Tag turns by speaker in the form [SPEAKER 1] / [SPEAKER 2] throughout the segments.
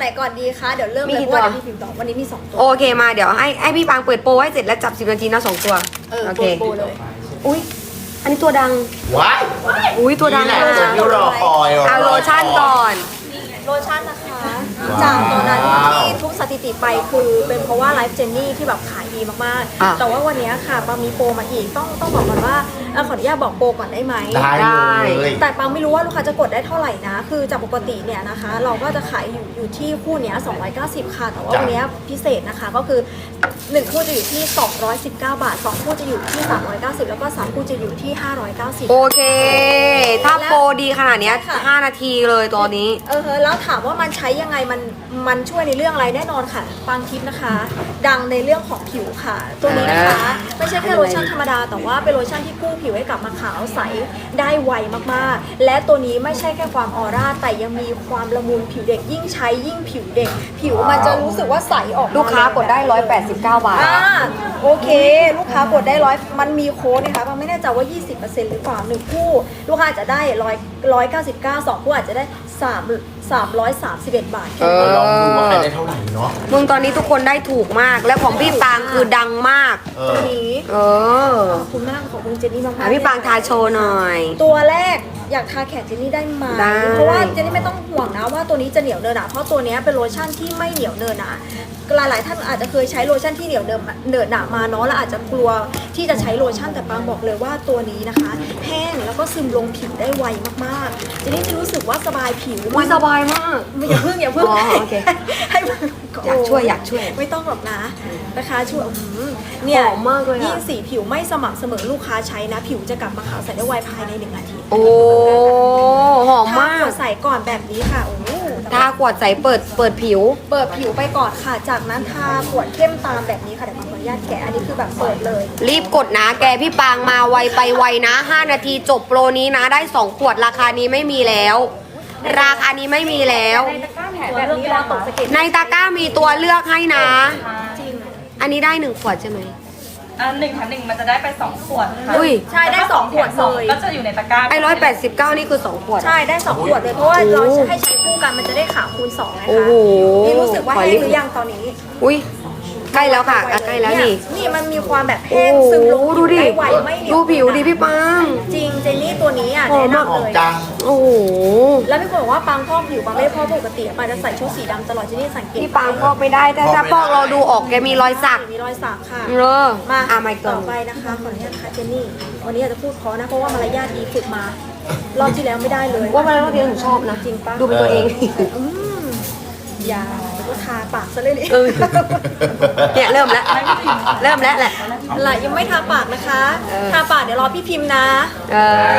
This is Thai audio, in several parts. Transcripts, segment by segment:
[SPEAKER 1] ก่อนดีคะเดี๋ยวเริ่มเลยเพราะว่าเดี๋ยวพี่พิมพ์ต่อวันนี้มี2ตัว
[SPEAKER 2] โอเคมาเดี๋ยวให้พี่ปางเปิดโปรให้เสร็จแล้วจับ10 นาทีนะ2 ตัวโอเค
[SPEAKER 1] โปรเลย
[SPEAKER 2] อุ้ยอันนี้ตัวดัง
[SPEAKER 3] ว้าย
[SPEAKER 2] อุ้ยตัวดัง
[SPEAKER 3] นี่แหละ
[SPEAKER 2] มาก
[SPEAKER 3] ตัวที่รอคอย
[SPEAKER 2] เอาโลชั่นก่อน
[SPEAKER 1] โลชั่นนะคะจากตอนนั้นที่ทุบสถิติไปคือเป็นเพราะว่าไลฟ์เจนนี่ที่แบบขายดีมาก
[SPEAKER 2] อ่ะ
[SPEAKER 1] ๆแต่ว่าวันนี้ค่ะปามีโปรมาอีกต้องบอกก่อนว่าขออนุญาตบอกโปรก่อนได้ไหม
[SPEAKER 3] ได้เลย
[SPEAKER 1] แต่ปังไม่รู้ว่าลูกค้าจะกดได้เท่าไหร่นะ คือจากปกติเนี่ยนะคะ เราก็จะขายอยู่ที่คู่เนี้ย290 ค่ะ แต่ว่าวันเนี้ยพิเศษนะคะก็คือ 1 คู่จะอยู่ที่ 219 บาท 2 คู่จะอยู่ที่ 390 แล้วก็ 3 คู่จะอยู่ที่ 590
[SPEAKER 2] โอเค ถ้าโปรดีขนาดเนี้ย
[SPEAKER 1] ค่ะ
[SPEAKER 2] 5 นาทีเลยตัวนี้
[SPEAKER 1] แล้วถามว่ามันใช้ยังไงมันช่วยในเรื่องอะไรแน่นอนค่ะปังทิปนะคะ ดังในเรื่องของผิวค่ะ ตัวนี้นะคะ ไม่ใช่แค่โลชั่นธรรมดา แต่ว่าเป็นโลชั่นที่กู้ผิวให้กลับมาขาวใสได้ไวมากๆ และตัวนี้ไม่ใช่แค่ความออร่าแต่ยังมีความละมุนผิวเด็กยิ่งใช้ยิ่งผิวเด็ก ผิวมันจะรู้สึกว่าใสออกม
[SPEAKER 2] ลูกค้ากดได้189 บาท
[SPEAKER 1] โอเค ลูกค้ากดได้มันมีโค้ดนะคะปังไม่แน่ใจว่า 20%หรือเปล่า1คู่ลูกค้าอาจจะได้199 2คู่อาจจะได้331 บาท
[SPEAKER 3] ลองดูว่าใครได้เท่าไหร่เนาะ
[SPEAKER 2] มึงตอนนี้ทุกคนได้ถูกมาก และของพี่ปางคือดังมาก
[SPEAKER 1] ตัวนี้
[SPEAKER 2] เออ
[SPEAKER 1] ขอบคุณมากขอบคุณเจนนี่มากๆ
[SPEAKER 2] อ่ะพี่ปางทาโชว์หน่อย
[SPEAKER 1] ตัวแรกอยากทาแขนเจนนี่ได้ไหม
[SPEAKER 2] ได้
[SPEAKER 1] เพราะว่าเจนนี่ไม่ต้องห่วงนะว่าตัวนี้จะเหนียวเนินหนาเพราะตัวนี้เป็นโลชั่นที่ไม่เหนียวเนินหนาหลายๆท่านอาจจะเคยใช้โลชั่นที่เหนียวเนินหนามาเนาะแล้วอาจจะกลัวที่จะใช้โลชั่นแต่ปางบอกเลยว่าตัวนี้นะคะแห้งแล้วก็ซึมลงผิวได้ไวมากๆเจนนี่จะรู้สึกว่าสบายผิว
[SPEAKER 2] อุ้ยสบายมาก
[SPEAKER 1] อย่าเพิ่ง
[SPEAKER 2] อ๋อโอเค
[SPEAKER 1] ให้มัน
[SPEAKER 2] อยากช่วย
[SPEAKER 1] ไม่ต้องหรอกนะนะคะช่วยเนี่ย
[SPEAKER 2] หอมมากเลยอะ
[SPEAKER 1] ยิ่งสีผิวไม่สม่ำเสมอลูกค้าใช้นะ ผิวจะกลับมาขาวใสได้ไวภายใน1 อาทิตย์
[SPEAKER 2] โอ้หอมมาก
[SPEAKER 1] ทใส่ก่อนแบบนี้ค่ะโอ้โห
[SPEAKER 2] ทาขวดใสเปิดผิว
[SPEAKER 1] เปิดผิวไปก่อนค่ะ จากนั้นทาขวดเข้มตามแบบนี้ค่ะเดี๋ยวขออนุญาตแกะอันนี้คือแบบเปิดเลย
[SPEAKER 2] รีบกดนะแกพี่ปางมาไวไปไวนะ 5 นาทีจบโปรนี้นะได้ 2 ขวดราคานี้ไม่มีแล้ว ราคานี้ไม่มีแล้ว
[SPEAKER 1] แบบนี้เราตกสะเก็ด
[SPEAKER 2] ในตะกร้ามีตัวเลือกให้นะ
[SPEAKER 1] จริง
[SPEAKER 2] อันนี้ได้1 ขวดใช่ไหม
[SPEAKER 4] 1 แถม 1มันจะได้ไป2 ขวดค่ะ
[SPEAKER 2] อุ้ย
[SPEAKER 1] ใช่ได้2 ขวดเลย
[SPEAKER 4] ก็จะอยู่ในตะกร้า
[SPEAKER 2] ไอ้189นี่คือ2 ขวด
[SPEAKER 1] ใช่ได้2 ขวดเลยเพราะว่าเราจะให้ใช้คู่กันมันจะได้ขาวคูณ2นะคะ
[SPEAKER 2] โอ้โห
[SPEAKER 1] นี่รู้สึกว่า
[SPEAKER 2] ขอ
[SPEAKER 1] แห้
[SPEAKER 2] รี
[SPEAKER 1] ง
[SPEAKER 2] บ
[SPEAKER 1] หรือยังตอนนี้
[SPEAKER 2] อุ้ยใกล้แล้วค่ะใกล้แล้วนี่
[SPEAKER 1] นี่มันมีความแบบ
[SPEAKER 2] โอ้
[SPEAKER 1] แห้ง
[SPEAKER 2] โห
[SPEAKER 1] ซึมลง
[SPEAKER 2] ดูดิ
[SPEAKER 1] ได้ไวไม่เหนียว
[SPEAKER 2] ดูผิวดิพี่ปาง
[SPEAKER 1] จริงเจนนี่ตัวนี้อ่ะ
[SPEAKER 2] หอ
[SPEAKER 1] แนะ
[SPEAKER 2] มมาก
[SPEAKER 1] นำ
[SPEAKER 3] หอม
[SPEAKER 1] เลย
[SPEAKER 3] จัง
[SPEAKER 2] โอ้โห
[SPEAKER 1] แล้วพี่คนบอกว่าปังพอกผิวปังไม่ได้พอกปกติปังจะใส่ชุดสีดำตลอดเจนนี่สังเกต
[SPEAKER 2] พี่ปางพอกไม่ได้แต่ถ้าพอกเราดูออกแกมีรอยสัก
[SPEAKER 1] มีรอยสักค่ะ
[SPEAKER 2] เออ
[SPEAKER 1] มา
[SPEAKER 2] ไม่เกิ
[SPEAKER 1] ต่
[SPEAKER 2] น
[SPEAKER 1] อไปนะคะขออนุญาตค่ะเจนนี่วันนี้อาจจะพูดเพราะนะเพราะว่ามารยาทดีฝึกมารอบที่แล้วไม่ได้เลย
[SPEAKER 2] ว่ามันเราเรียนหนูชอบนะ
[SPEAKER 1] จริงปะ
[SPEAKER 2] ดูเป็นตัวเอง
[SPEAKER 1] อืมอย่าเดี๋ยวก็ทาปากซะเลยดิ
[SPEAKER 2] เออ เนี่ยเริ่มแล้วแหละ
[SPEAKER 1] ล่ะยังไม่ทาปากนะคะ
[SPEAKER 2] เออ
[SPEAKER 1] ทาปากเดี๋ยวรอพี่พิมพ์นะ
[SPEAKER 2] เอ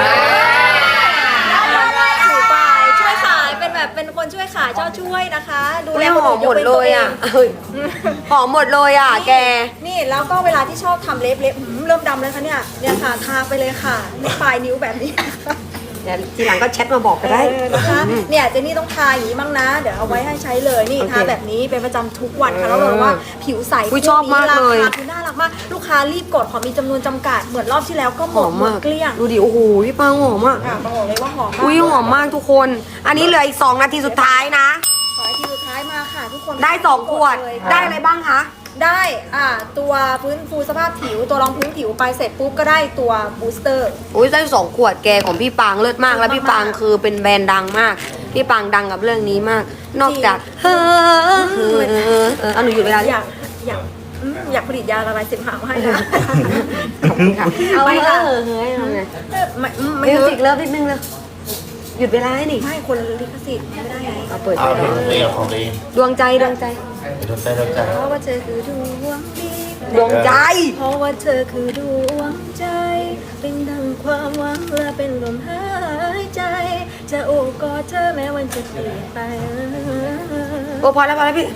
[SPEAKER 2] อ
[SPEAKER 1] ถือไปช่วยขายเป็นคนช่วยขายเจ้าช่วยนะคะ ดูแล
[SPEAKER 2] ไม่
[SPEAKER 1] คน
[SPEAKER 2] หอ
[SPEAKER 1] อื่
[SPEAKER 2] ม
[SPEAKER 1] น
[SPEAKER 2] หมดเลยอ่ะเฮ้ยหอมหมดเลยอ่ะแก
[SPEAKER 1] นี่แล้วก็เวลาที่ชอบทำเล็บเริ่มดำเลยค่ะเนี่ยค่ะทาไปเลยค่ะนี่ปลายนิ้วแบบนี้
[SPEAKER 2] เดี๋ยวทีหลังก็แชทมาบอกก็ได้
[SPEAKER 1] นะคะเนี่ยเจนนี่ต้องทาอย่างนี้บ้างนะ เดี๋ยวเอาไว้ให้ใช้เลยนี่
[SPEAKER 2] โอเค
[SPEAKER 1] ทาแบบนี้เป็นประจำทุกวันค่ะแล้วเราว่าผิวใส
[SPEAKER 2] อุ๊ยชอบมากเลย
[SPEAKER 1] ราคาคือน่ารักมากลูกค้ารีบกดขอมีจำนวนจำกัดเหมือนรอบที่แล้วก็ห
[SPEAKER 2] ห
[SPEAKER 1] ม
[SPEAKER 2] อ
[SPEAKER 1] ด
[SPEAKER 2] ม
[SPEAKER 1] หมด
[SPEAKER 2] มาก
[SPEAKER 1] เกลี้ยง
[SPEAKER 2] ดูดิโอ้โหพี่ปางหอมมาก
[SPEAKER 1] ค่ะบอกเลยว่าหอมมาก
[SPEAKER 2] อุ้ยหอมมากทุกคน อันนี้เหลืออีก2 นาทีสุดท้ายนะ
[SPEAKER 1] ขอให้ทีสุดท้ายมาค่ะทุกคน
[SPEAKER 2] ได้2 ขวด
[SPEAKER 1] เลย
[SPEAKER 2] ได้อะไรบ้างคะ
[SPEAKER 1] ได้ตัวฟื้นฟูสภาพผิวตัวรองพื้นผิวไปเสร็จปุ๊บก็ได้ตัวบูสเตอร์
[SPEAKER 2] อุ้ยได้2 ขวดแกของพี่ปางเลิศมากแล้วพี่ปางคือเป็นแบรนด์ดังมาก พี่ปางดังกับเรื่องนี้มาก นอกจากเอาหนูหยุดเวลา
[SPEAKER 1] อยากผลิตยาละลายเสมหะมาให้นะ
[SPEAKER 2] ขอบคุณค่ะเอา
[SPEAKER 1] ไม่
[SPEAKER 2] เฮ้
[SPEAKER 1] ค่ะ
[SPEAKER 2] ยทำไง
[SPEAKER 1] ไม่
[SPEAKER 2] มิวสิกเลิฟนิดนึงเลยหยุดเวลาให้นี่
[SPEAKER 1] ไม่คนลิขสิทธิ์ไม่ได้ไง
[SPEAKER 2] เอาเปิด
[SPEAKER 3] เอา
[SPEAKER 2] ไป
[SPEAKER 3] เรื่องของตัวเอง
[SPEAKER 2] ดวงใจ
[SPEAKER 3] โดนใจ
[SPEAKER 1] เพราะว่าเธอคือดวงดี
[SPEAKER 2] ดวงใจ
[SPEAKER 1] เพราะว่าเธอคือดวงใจ เป็นดังความหวังและเป็นลมหายใจ จะโอบกอดเธอแม้วันจะเปลี่ยนไป
[SPEAKER 2] โอ้พอแล้วพี่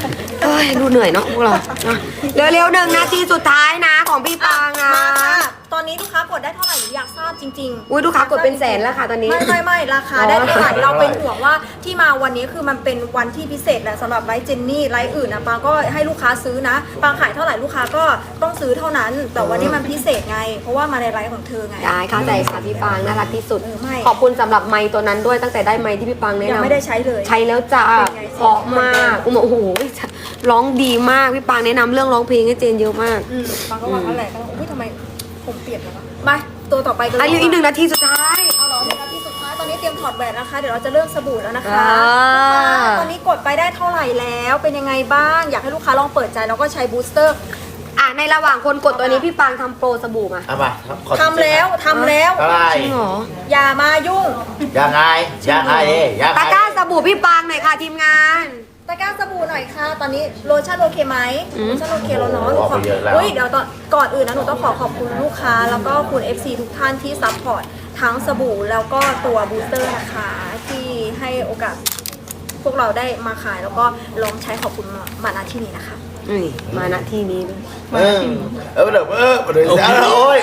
[SPEAKER 2] เอ้ยดูเหนื่อยเนาะพวกเราเร็วๆ1 นาทีสุดท้ายนะของพี่ปางนะ
[SPEAKER 1] มาค่ะตอนนี้ลูกค้ากดได้เท่าไหร่หนูอยากทราบจริงๆ
[SPEAKER 2] อุ้ยลูกค้ากดเป็นแสนแล้วค่ะตอนนี้
[SPEAKER 1] ไม่ราคาได้เท่าไหร่เราเป็นห่วงว่าที่มาวันนี้คือมันเป็นวันที่พิเศษแหละสำหรับไลฟ์เจนนี่ไลฟ์อื่นนะปางก็ให้ลูกค้าซื้อนะปางขายเท่าไหร่ลูกค้าก็ต้องซื้อเท่านั้น แต่วันนี้มันพิเศษไง เพราะว่ามาในไลฟ์ของเธอไง
[SPEAKER 2] ได้เข้าใจค่ะพี่ปางน่ารักที่สุด
[SPEAKER 1] ไม่
[SPEAKER 2] ขอบคุณสำหรับไมค์ตัวนั้นด้วยตั้งแต่ได้ไมค์ที่พี่ปางแนะ
[SPEAKER 1] ยัง
[SPEAKER 2] นำ
[SPEAKER 1] ไม่ได้ใช้เลย
[SPEAKER 2] ใช้แล้วจ้า
[SPEAKER 1] เป็นไง
[SPEAKER 2] เพราะมากโอ้โหร้องดีมากพี่ปางแนะนำเรื่องร้องเพลงให้เจนเยอะมาก
[SPEAKER 1] ปางก็ว่าอะไรก็อุ้ยทำไมผมเปลี่ยนแล้วมาตัวต่อไปกันเลย
[SPEAKER 2] อายุอีก1 นาทีสุดท้าย
[SPEAKER 1] เอาเหรอ1 นาทีสุดท้ายตอนนี้เตรียมถอดแหวนนะคะเดี๋ยวเราจะเริ่มสบู่แล้วนะคะ
[SPEAKER 2] อ่า
[SPEAKER 1] ตอนนี้กดไปได้เท่าไหร่แล้วเป็นยังไงบ้างอยากให้ลูกค้าลองเปิดใจแล้วก็ใช้บูสเตอร์
[SPEAKER 2] อ่ะในระหว่างคนกดตัวนี้พี่ปางทำโปรสบู่มา
[SPEAKER 3] เอามาขอ
[SPEAKER 1] ทำแล้ว
[SPEAKER 3] เท่าไหร่
[SPEAKER 2] จริงเหรอ
[SPEAKER 1] อย่ามายุ่ง
[SPEAKER 3] ยังไงยังไงยังไง
[SPEAKER 2] ตะกร้าสบู่พี่ปางหน่อยค่ะทีมงาน
[SPEAKER 1] ตะกร้าสบู่หน่อยค่ะ ตอนนี้โลชั่นโอเคไหม
[SPEAKER 2] อืม
[SPEAKER 1] โลชั่นโอเคแล้วเนาะหนู
[SPEAKER 3] ออก
[SPEAKER 1] ขอ
[SPEAKER 3] ไปเยอะแล้ว
[SPEAKER 1] เดี๋ยวก่อนอื่นนะหนูต้องขอบคุณลูกค้า แล้วก็คุณ FC ทุกท่านที่ซัพพอร์ตทั้งสบู่แล้วก็ตัวบูสเตอร์นะคะที่ให้โอกาสพวกเราได้มาขายแล้วก็ลองใช้ขอบคุณมาณที่นี้นะคะ
[SPEAKER 2] นี่มาณที่นี้ด้วย
[SPEAKER 3] เดี๋ยวโอ้ย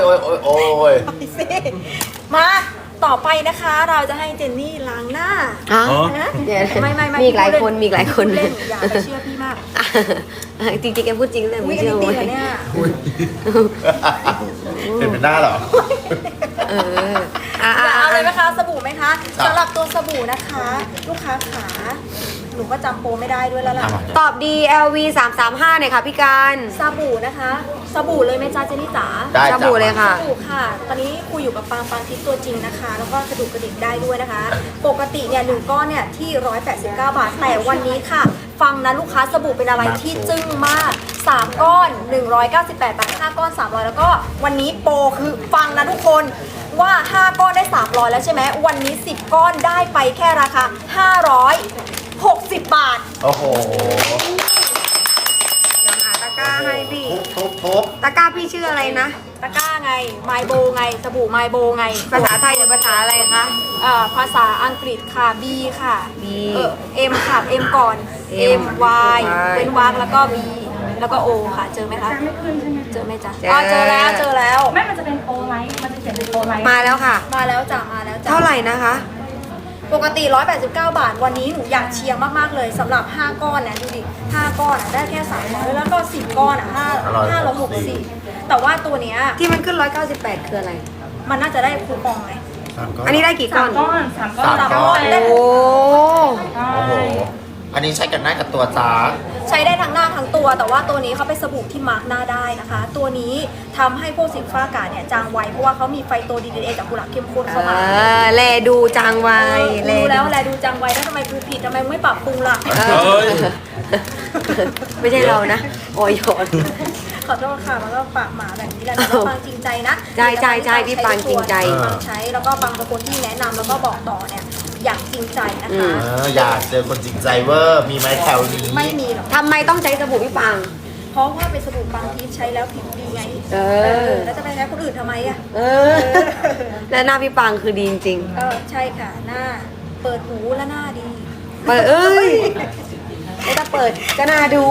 [SPEAKER 1] มาต่อไปนะคะเราจะให้เจนนี่ล้างหน้า
[SPEAKER 2] ฮะ
[SPEAKER 1] นะ
[SPEAKER 2] เดี๋ยว
[SPEAKER 1] ไม่
[SPEAKER 2] มีอีกหลายคนมีอีกหลายคน
[SPEAKER 1] เล่นอย่าไปเชื่อพี่มาก
[SPEAKER 2] จริงๆแกพูดจริงเลย
[SPEAKER 1] อุ้
[SPEAKER 2] ไม่
[SPEAKER 1] ยอัน
[SPEAKER 2] เชื่อ
[SPEAKER 1] นี้ตี
[SPEAKER 2] เว้ย
[SPEAKER 1] เหรอเนี่ย
[SPEAKER 3] เห็นเป็นหน้าเหรอ
[SPEAKER 2] เอออ่ะ
[SPEAKER 1] อยากเอาเลยไหม
[SPEAKER 2] อ่ะ
[SPEAKER 1] คะสบู่ไหมคะ
[SPEAKER 3] ครับ
[SPEAKER 1] สำหรับตัวสบู่นะคะ ลูกค้าขาหนูก็จำโปรไม่ได้ด้วยแล้วล่ะ
[SPEAKER 2] ตอบ DLV 335หน่อยค่ะพี่การ
[SPEAKER 1] สบู่นะคะสบู่เลยไหมจ๊ะเจนนี่จ๋า
[SPEAKER 3] ได้
[SPEAKER 2] ส
[SPEAKER 3] จ้ะ
[SPEAKER 2] บู่เลยค่ะ
[SPEAKER 1] สบู่ค่ะ ตอนนี้คุยอยู่กับปางทิพย์ตัวจริงนะคะ แล้วก็กระดูกกระดิกได้ด้วยนะคะ ปกติเนี่ย1ก้อนเนี่ยที่189 บาทแต่วันนี้ค่ะ ฟังนะลูกค้าสบู่เป็นอะไรที่จึ้งมาก 3 ก้อน 198 บาท 5 ก้อน 300 แล้วก็วันนี้โปรคือฟังนะทุกคนว่า 5 ก้อนได้ 300 แล้วใช่ไหมวันนี้ 10 ก้อนได้ไปแค่ราคา 560 บาท
[SPEAKER 3] โอ้โห
[SPEAKER 2] เดี๋ยวหาตะกร้าให้พี่
[SPEAKER 3] ทุบ
[SPEAKER 2] ตะกร้าพี่ชื่ออะไรนะ
[SPEAKER 1] ตะกร้าไงไมโบไงสบู่ไมโบไง
[SPEAKER 2] ภาษาไทยหรือภาษาอะไรคะ
[SPEAKER 1] ภาษาอังกฤษค่ะ B ค่ะ
[SPEAKER 2] B
[SPEAKER 1] M ค่ะ M ก่อน
[SPEAKER 2] M
[SPEAKER 1] Y
[SPEAKER 2] Y
[SPEAKER 1] เป็นวากแล้วก็ B แล้วก็ O ค่ะ เจอไหมคะ
[SPEAKER 4] ไม่ขึ้นใช่ไหม
[SPEAKER 1] เจอไหมจ๊ะ
[SPEAKER 2] เจอ
[SPEAKER 1] เจอแล้วเจอแล้ว
[SPEAKER 4] ไม่มันจะเป็นโอไลท์มันจะเขียนเป็นโอไลท์
[SPEAKER 2] มาแล้วค่ะ
[SPEAKER 1] มาแล้วจ้ะมาแล้วจ้ะ
[SPEAKER 2] เท่าไหร่นะคะ
[SPEAKER 1] ปกติ 189 บาท วันนี้หนูอยากเชียร์มากๆเลยสำหรับ 5 ก้อนนะดูดิ 5 ก้อนอะได้แค่300แล้วก็ 10 ก้อนอ่ะ560แต่ว่าตัวเนี้ย
[SPEAKER 2] ที่มันขึ้น 198 คืออะไร
[SPEAKER 1] มันน่าจะได้คูปองไง
[SPEAKER 2] อันนี้ได้กี่ก้อน
[SPEAKER 4] สามก้อน
[SPEAKER 1] สามก้อน
[SPEAKER 2] โอ้
[SPEAKER 4] ใช่
[SPEAKER 3] โอ้โห อันนี้ใช้กันหน้ากับตัวจ้า
[SPEAKER 1] ใช้ได้ทั้งหน้าทั้งตัว แต่ว่าตัวนี้เขาเป็นสบู่ที่มาร์กหน้าได้นะคะ ตัวนี้ทำให้พวกสิวฟ้ากาเนี่ยจางไวเพราะว่าเขามีไฟโตดีเอจากกุหลาบเข้มข้นเข้ามา
[SPEAKER 2] แลดูจางไว
[SPEAKER 1] รู้แล้วแหละดูจางไวแล้วทำไมกูผิดทำไมมึงไม่ปรับปรุงล่ะ
[SPEAKER 2] ไม่ใช่เรานะโอยโยน
[SPEAKER 1] ขอโทษค่ะมันก็ปากหมาแบบนี้แหละแต่ว่าปังจริงใจนะ
[SPEAKER 2] ใช่พี่ปังจริงใจ
[SPEAKER 1] ปังใช้แล้วก็ปังเป็นคนที่แนะนำแล้วก็บอกต่อเนี่ยอย่างจริงใจนะคะ
[SPEAKER 3] อยากเจอคนจริงใจเวอร์ มีไหมแถวนี้
[SPEAKER 1] ไม่มีหรอก
[SPEAKER 2] ทำไมต้องใช้สบู่พี่ปัง
[SPEAKER 1] เพราะว่าเป็นสบู่ปังทิพย์ใช้แล้วผิวดีไง แล้วจะไปใช้คนอื่นทำไมอ่ะ
[SPEAKER 2] แล้วหน้าพี่ปังคือดีจริง
[SPEAKER 1] ใช่ค่ะหน้าเปิดหูและหน้าดี
[SPEAKER 2] เปิดไม่ต้องเปิดก็น่าดู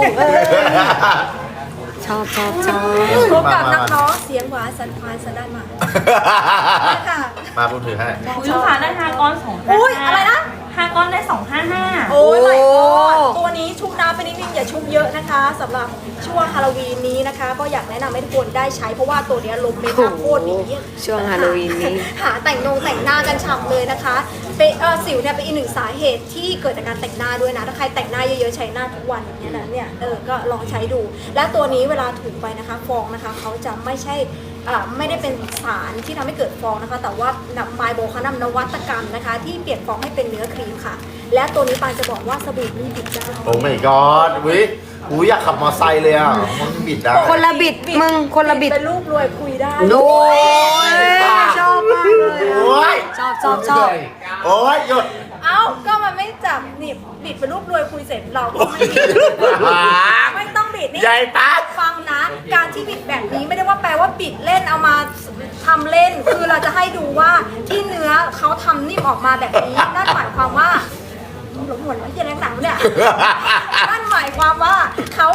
[SPEAKER 2] ชอบ
[SPEAKER 1] พบกับนักร้องเสียงหวานสันควานสันด้านมาค่ะ
[SPEAKER 3] มาพูดถือให้
[SPEAKER 4] อุ๊ยลูกค้าได้5ก้อน255
[SPEAKER 1] อุ๊ยอะไรนะ
[SPEAKER 4] 5ก้อนได้255
[SPEAKER 1] โอ้ยไม่กอดตัวนี้ชุบน้ำไปนิดนึงอย่าชุบเยอะนะคะสำหรับช่วงฮาโลวีนนี้นะคะ ก็อยากแนะนำให้ทุกคนได้ใช้เพราะว่าตัวเนี้ยลมเมคอัพโคตรดี
[SPEAKER 2] ช่วงฮาโลวีนนี้
[SPEAKER 1] หาแต่งหน้ากันฉ่ำเลยนะคะเป็นสิวเนี่ยเป็นอีกหนึ่งสาเหตุที่เกิดจากการแต่งหน้าด้วยนะถ้าใครแต่งหน้าเยอะๆใช้หน้าทุกวันอย่างเงี้ยนะเนี่ยก็ลองใช้ดู และตัวนี้เวลาถูไปนะคะฟองนะคะเขาจะไม่ใช่ไม่ได้เป็นสารที่ทำให้เกิดฟองนะคะ แต่ว่านำไมโบเขานำนวัตกรรมนะคะ ที่เปลี่ยนฟองให้เป็นเนื้อครีมค่ะ และตัวนี้ปานจะบอกว่าสบู่นี่บิดได้
[SPEAKER 3] โอ้ my god อุ้ยอยากขับมอไซค์เลยอ่ะ มันบิดได้
[SPEAKER 2] คนละบิดมึงคนละบิด
[SPEAKER 1] เป็นลูกรวยคุยได้
[SPEAKER 2] โอ้ยชอบมากเลย
[SPEAKER 3] โอ้ย
[SPEAKER 2] ชอบ
[SPEAKER 3] โอ้ยหยุด
[SPEAKER 1] เอ้าก็มันไม่จับนี่บิดเป็นลูกรวยคุยเสร็จเราก็ไม่บิดไม่ต้องบิดนี่
[SPEAKER 3] ใหญ่ปะ
[SPEAKER 1] ฟังนะ การที่บิดแบบนี้ไม่ได้ว่าแปลว่าบิดเล่นเอามาทำเล่น คือเราจะให้ดูว่าที่เนื้อเขาทำนิ่มออกมาแบบนี้นั่นหมายความว่าหลงหัวแล้วยังแรงหนังเนี่ยนั่นหมายความว่าเขา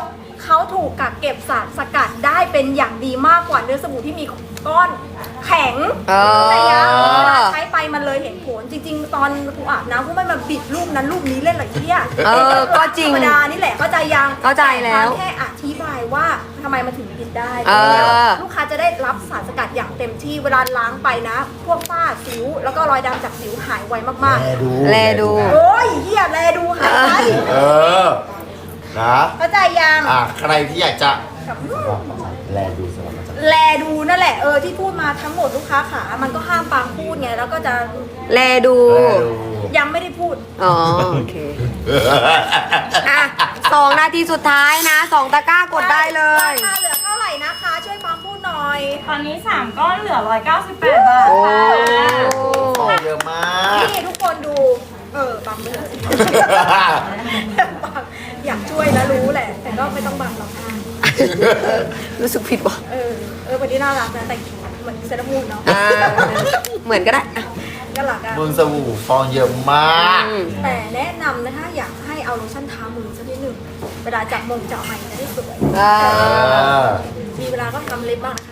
[SPEAKER 1] เขาถูกกักเก็บสารสกัดได้เป็นอย่างดีมากกว่าเนื้อสบู่ที่มีก้อนแข็ง แต่ยังเวลาใช้ไปมันเลยเห็นผลจริงๆ ตอนกูอาบน้ำกูไม่มาบิดรูปนั้นรูปนี้เล่นหรอกที่อ่ะ
[SPEAKER 2] ก็จริง
[SPEAKER 1] ธรรมดานี่แหละเข้าใจยัง
[SPEAKER 2] เข้าใจแล้ว
[SPEAKER 1] แค่อธิบายว่าทำไมมันถึงบิดได้
[SPEAKER 2] เออ
[SPEAKER 1] ลูกค้าจะได้รับสารสกัดอย่างเต็มที่เวลาล้างไปนะ พวกฝ้าสิวแล้วก็รอยดำจากสิวหายไวมาก
[SPEAKER 2] แลดู
[SPEAKER 1] ๆโอ้ยเฮียแลดูหายไป
[SPEAKER 3] เออ นะ
[SPEAKER 1] เข้าใจยัง
[SPEAKER 3] ใครที่อยากจะแลดูสวัสดี
[SPEAKER 1] แลดูนั่นแหละที่พูดมาทั้งหมดลูกค้าขามันก็ห้ามปางพูดไงแล้วก็จะ
[SPEAKER 2] แลดู
[SPEAKER 1] ยังไม่ได้พูด
[SPEAKER 2] อ๋อโอเคอ่ะ2 นาทีสุดท้ายนะ 2 ตะกร้ากดได้เลย
[SPEAKER 1] ราคาเหลือเท่าไหร่นะคะ ช่วยปางพูดหน่อย
[SPEAKER 4] ตอนนี้ 3 ก้อนเหลือ 198 บาท
[SPEAKER 2] โอ้
[SPEAKER 4] ค่ะ
[SPEAKER 3] ของเยอะมาก
[SPEAKER 1] นี่ทุกคนดูปางไม่ได้อยากช่วยนะรู้แหละ แต่ก็ไม่ต้องบังหรอกค่ะ
[SPEAKER 2] รู้สึกผิดว่ะ
[SPEAKER 1] วันนี้น่ารักนะแต่เหมือนเซรามูนเนาะ
[SPEAKER 2] เหมือนก็ได้อ่ะ
[SPEAKER 1] ก็หลักอะ
[SPEAKER 3] มึงสบู่ฟองเยอะมาก
[SPEAKER 1] แต่แนะนำนะคะอยากให้เอาโลชั่นทามือสักนิดหนึ่งเวลาจับจับใหม่จะได้สวย มีเวลาก็ทำเล็บบ้าง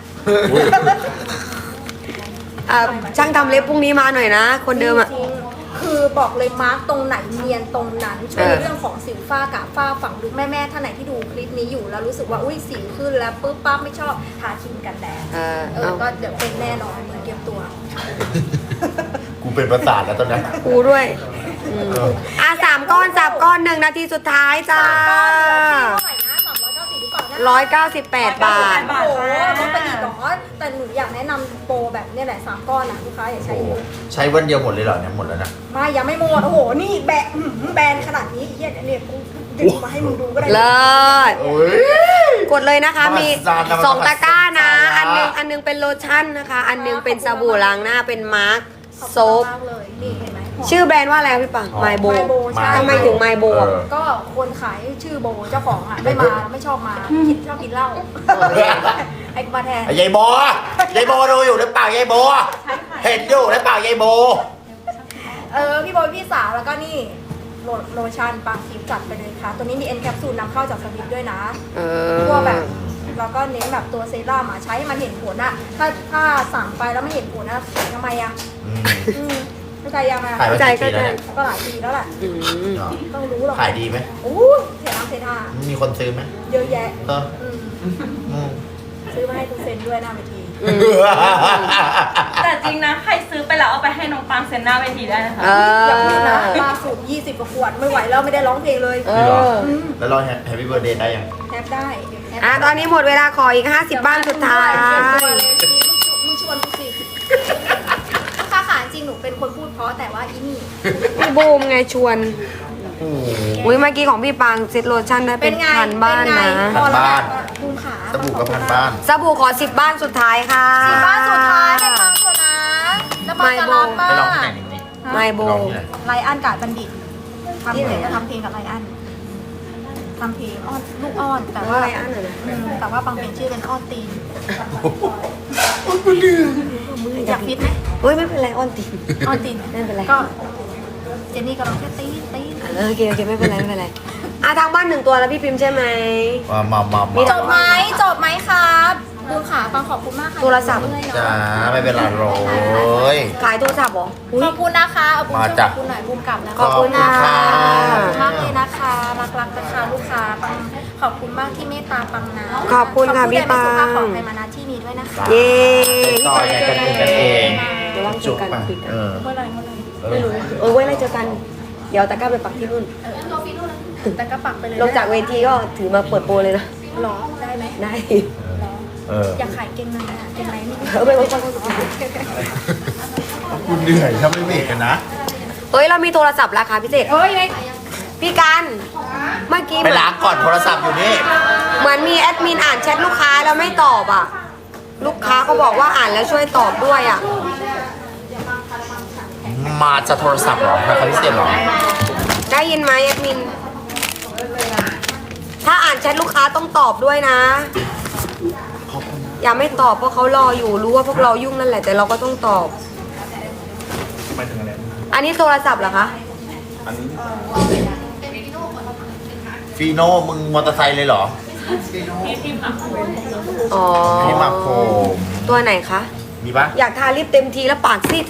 [SPEAKER 1] นะคะ
[SPEAKER 2] ช่างทำเล็บพรุ่งนี้มาหน่อยนะ คนเดิมอ่ะ
[SPEAKER 1] จริงๆคือบอกเลยมาร์กตรงไหนเนียนตรงนั้นช่วยในเรื่องของสิวฝ้ากระฝ้าฝังลึกแม่ๆท่านไหนที่ดูคลิปนี้อยู่แล้วรู้สึกว่าอุ้ยสิวขึ้นแล้วปุ๊บปั๊บไม่ชอบทาครีมกันแดดก็เดี๋ยวเป็นแน่นอนเตรียมตัว
[SPEAKER 3] กูเป็นประสาทแล้วตอนนี้
[SPEAKER 2] กูด้วย3 ก้อน1 นาทีสุดท้ายจ้า
[SPEAKER 1] เท่าไหร่นะ390หรือเปล่านะ
[SPEAKER 2] 198 บาท
[SPEAKER 1] โอ้โหลดไปอีกเหรอแต่หนูอยากแนะนำโปรแบบเนี้ยแหละ3 ก้อนนะลูกค้าอย่าใช้เยอะ
[SPEAKER 3] ใช้วันเดียวหมดเลยเหรอเนี่ยหมดแล้วนะ
[SPEAKER 1] ไม่ยังไม่หมดโอ้โหนี่แบนขนาดนี้เฮียเนี่ยกูดึงมาให้มึงดูก็ได้
[SPEAKER 2] เลิศ
[SPEAKER 3] โอ้ย
[SPEAKER 2] กดเลยนะคะ มี
[SPEAKER 3] มหัศจรรย์นะ
[SPEAKER 2] 2 ตะกร้านะ
[SPEAKER 3] มหัศจรรย์
[SPEAKER 2] อันนึงเป็นโลชั่นนะคะ อันนึงเป็นสบู่ล้างหน้าเป็นมาร์ค
[SPEAKER 1] ขอบ
[SPEAKER 2] โซ
[SPEAKER 1] คุณ
[SPEAKER 2] ฟ
[SPEAKER 1] มากเลยนี่เห็นไหม
[SPEAKER 2] ชื่อแบรนด์ว่าอะไรพี่ปังไมโบ
[SPEAKER 1] My Bo ใช่
[SPEAKER 2] ทำไมถึงไมโบ
[SPEAKER 1] ก็คนขายชื่อโบเจ้าของอ่ะไม่ชอบมาชอบกินเหล้าไอ้มาแทน
[SPEAKER 3] ยายโบยายโบดูอยู่หรือเปล่ายายโบเห็นอยู่หรือเปล่ายายโบ
[SPEAKER 1] พี่โบพี่สาวแล้วก็นี่โลชั่นปางทิพย์จัดไปเลยค่ะ ตัวนี้มีเอ็นแคปซูลนำเข้าจากสวิตด้วยนะพวกแบบแล้วก็เน้นแบบตัวเซรั่มใช้ให้มันเห็นผลอะถ้าสั่งไปแล้วไม่เห็นผลนะทำไมอะเข้าใจยังไง
[SPEAKER 3] ขายมากี่ปีแล้วเนี่ย
[SPEAKER 1] ก็หลายปีแล้วแหละต้องรู้หรอก
[SPEAKER 3] ขายดีไหม
[SPEAKER 1] โอ้ยเทน้ำเทท่า
[SPEAKER 3] มีคนซื้อไหม
[SPEAKER 1] เยอะแยะ
[SPEAKER 3] เออ
[SPEAKER 1] ซื้อมาให้คุณเซนด้วยหน้าเวที
[SPEAKER 4] แต่จริงนะ ใครซื้อไปแล้วเอาไปให้น้องปังเซ็นหน้าเวทีได้นะคะ
[SPEAKER 1] อย่าพูดนะล่าสุด20 กว่าขวดไม่ไหวแล้วไม่ได้ร้องเพลงเลย
[SPEAKER 3] แล้วเราแฮปปี้เบิร์ดเดย์ได้ยัง
[SPEAKER 1] แทบได้
[SPEAKER 2] ตอนนี้หมดเวลาขออีก 50 บ้านสุดท้าย
[SPEAKER 1] มึงชวนกูสิลูกค้าขาจริงหนูเป็นคนพูดเพราะแต่ว่าอีนี่
[SPEAKER 2] พี่บูมไงชวน อุ้ยเมื่อกี้ของพี่ปังเซ็ตโลชั่นได้เป็นพันบ้านนะ
[SPEAKER 1] พอแล้วบูมขา
[SPEAKER 3] สบู่กับพันบ้าน
[SPEAKER 2] สบู่ขอ10 บ้านสุดท้ายค่ะ
[SPEAKER 1] 10 บ้านสุดท้ายให้ปังเถอะนะแล้วปังจะรับป้า
[SPEAKER 3] ไปร้องที่ไหนนี่
[SPEAKER 2] ไมโบ
[SPEAKER 3] ร้องที่ไหน
[SPEAKER 1] ไลอ้อนกาดบัณฑิตทำเพลงจะทำเพลงกับไลอ้อนทำเพลงอ้อนลูกอ้อนแต่ว่า
[SPEAKER 2] ไลอ้อนเหรอ
[SPEAKER 1] แต่ว่าปังเป็นชื่อเป็นอ้อนตีนอยากฟิตไหม
[SPEAKER 2] เฮ้ยไม่เป็นไรอ้อนตีน
[SPEAKER 1] อ้อนตีน
[SPEAKER 2] ไม่เป็นไร
[SPEAKER 1] ก็เจนนี่ก็ร้องแค่ตีน
[SPEAKER 2] โอเคไม่เป็นไรไม่เป็นไรทางบ้าน1 ตัวแล้วพี่พิมพ์ใช่ไหม
[SPEAKER 3] มา
[SPEAKER 1] จบไหมครับบูมขาปังขอบคุณมากค่ะ
[SPEAKER 2] โทรศัพท์
[SPEAKER 3] จ้าไม่เป็นไรโรย
[SPEAKER 2] ขายโทรศัพท์เหรอ
[SPEAKER 1] ขอบคุณนะคะเอาบูม
[SPEAKER 3] มา
[SPEAKER 1] ช่วยข
[SPEAKER 3] จ้ะ
[SPEAKER 1] อบคุณหน่อยบูมกลับนะคะ
[SPEAKER 2] ขอบคุณค่ะ
[SPEAKER 1] ขอบคุณมากเลยนะคะรักนะคะลูกค้าปังขอบคุณมากที่เมตตาปังนะ
[SPEAKER 2] ขอบคุณค่ะพี่ปัง
[SPEAKER 1] ขอบคุณแดนสุภาพของไทยมานาที่นี้ด้วยนะคะ
[SPEAKER 2] เย้
[SPEAKER 3] ต่ออย่างกันเอง
[SPEAKER 2] เดี๋ยวว่างเจอกัน
[SPEAKER 3] จุกป่ะ
[SPEAKER 1] เมื่อไหร่
[SPEAKER 2] ไม่รู้ไว้อะไรเจอกัน เดี๋ยวตะกร้าไปปักที่นู่น
[SPEAKER 1] แต่ก็ปักไปเลย
[SPEAKER 2] ลงจากเวทีก็ถือมาเปิดโปรเลยนะ
[SPEAKER 1] หรอได้ไหม
[SPEAKER 2] ได้
[SPEAKER 1] อยากขายเก่งในอะเก่งในนี่
[SPEAKER 2] ไปไว้
[SPEAKER 3] คุณเหนื่อยถ้าไม่เบรกกันนะ
[SPEAKER 2] เฮ้ยเรามีโทรศัพท์ราคาพิเศษพี่กันเมื่อกี้
[SPEAKER 3] ไปล้างก่อนโทรศัพท์อยู่นี่
[SPEAKER 2] เหมือนมีแอดมินอ่านแชทลูกค้าแล้วไม่ตอบอ่ะ ลูกค้าเขาบอกว่าอ่านแล้วช่วยตอบด้วยอ่ะ
[SPEAKER 3] มาจะโทรศัพท์เหรอราคาพิเศษเหรอ
[SPEAKER 2] ได้ยินไหมแอดมิน ถ้าอ่านแชทลูกค้าต้องตอบด้วยนะ อย่าไม่ตอบเพราะเขารออยู่รู้ว่าพวกเรายุ่งนั่นแหละแต่เราก็ต้องตอบ
[SPEAKER 3] ไปถึงอะไร
[SPEAKER 2] อันนี้โทรศัพท์เหรอคะ
[SPEAKER 3] ฟีโน่มึงมอเตอร์ไซค์เลยเหรอ
[SPEAKER 1] ใ
[SPEAKER 4] นี่ทีมหมัก
[SPEAKER 2] อ๋อ
[SPEAKER 3] นี่หมักโฟม
[SPEAKER 2] ตัวไหนคะ
[SPEAKER 3] มีปะ
[SPEAKER 2] อยากทาลิปเต็มทีแล้วปากซีด